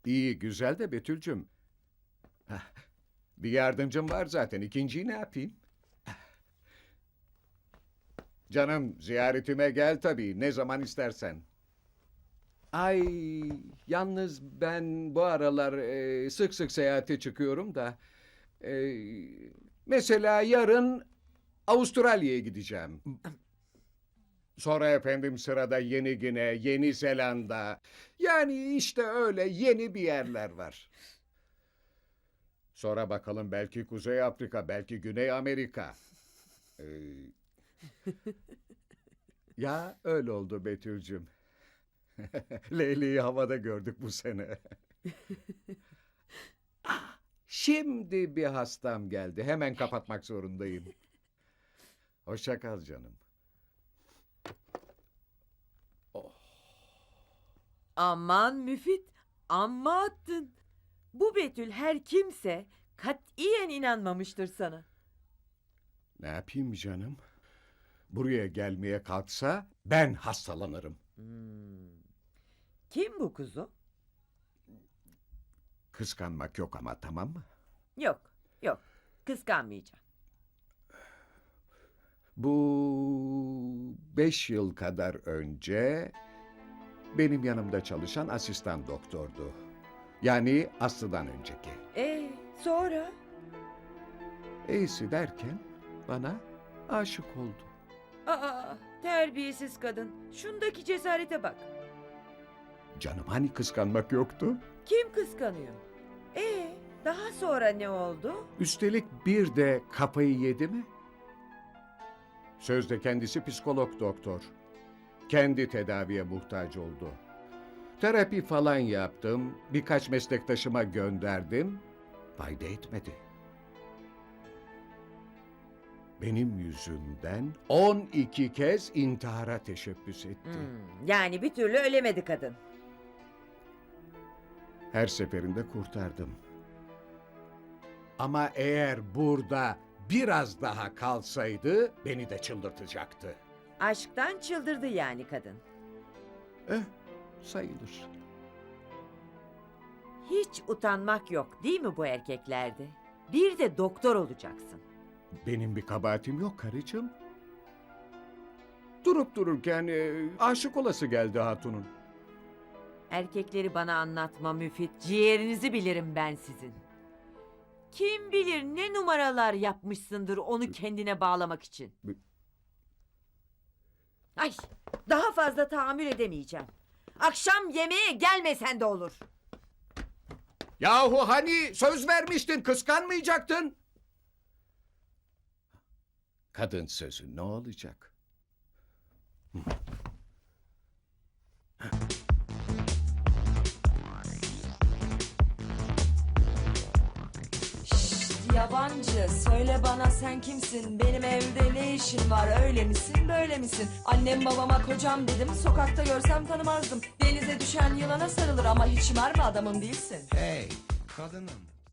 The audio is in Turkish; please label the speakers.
Speaker 1: İyi, güzel de Betül'cüm. Hah, bir yardımcım var zaten. İkinciyi ne yapayım? Canım, ziyaretime gel tabii. Ne zaman istersen. Ay, yalnız ben bu aralar sık sık seyahate çıkıyorum da. e, Mesela yarın Avustralya'ya gideceğim. Sonra efendim sırada Yeni Gine, Yeni Zelanda. Yani işte öyle yeni bir yerler var. Sonra bakalım belki Kuzey Afrika, belki Güney Amerika. Ee, Ya öyle oldu Betül'cüm. Leyli'yi havada gördük bu sene. Şimdi bir hastam geldi. Hemen kapatmak zorundayım. Hoşça kal canım.
Speaker 2: Aman Müfit, amma attın. Bu Betül her kimse katiyen inanmamıştır sana.
Speaker 1: Ne yapayım canım? Buraya gelmeye kalksa ben hastalanırım.
Speaker 2: Kim bu kuzu?
Speaker 1: Kıskanmak yok ama, tamam mı?
Speaker 2: Yok, yok. Kıskanmayacağım.
Speaker 1: Bu 5 yıl kadar önce benim yanımda çalışan asistan doktordu. Yani Aslı'dan önceki.
Speaker 2: Sonra?
Speaker 1: İyisi derken bana aşık oldu.
Speaker 2: Aa, terbiyesiz kadın. Şundaki cesarete bak.
Speaker 1: Canım, hani kıskanmak yoktu?
Speaker 2: Kim kıskanıyor? Daha sonra ne oldu?
Speaker 1: Üstelik bir de kafayı yedi mi? Sözde kendisi psikolog doktor. Kendi tedaviye muhtaç oldu. Terapi falan yaptım, birkaç meslektaşıma gönderdim. Fayda etmedi. Benim yüzümden 12 kez intihara teşebbüs etti.
Speaker 2: Yani bir türlü ölemedi kadın.
Speaker 1: Her seferinde kurtardım. Ama eğer burada biraz daha kalsaydı beni de çıldırtacaktı.
Speaker 2: Aşktan çıldırdı yani kadın.
Speaker 1: Sayılır.
Speaker 2: Hiç utanmak yok değil mi bu erkeklerde? Bir de doktor olacaksın.
Speaker 1: Benim bir kabahatim yok karıcığım. Durup dururken aşık olası geldi hatunun.
Speaker 2: Erkekleri bana anlatma Müfit. Ciğerinizi bilirim ben sizin. Kim bilir ne numaralar yapmışsındır onu kendine bağlamak için. Ay, daha fazla tahammül edemeyeceğim. Akşam yemeğe gelmesen de olur.
Speaker 1: Yahu hani söz vermiştin, kıskanmayacaktın. Kadın sözü ne olacak?
Speaker 3: Yabancı, söyle bana sen kimsin? Benim evde ne işin var? Öyle misin, böyle misin? Annem babama kocam dedim, sokakta görsem tanımazdım. Denize düşen yılana sarılır ama hiç mermi adamın değilsin.
Speaker 4: Hey kadınım,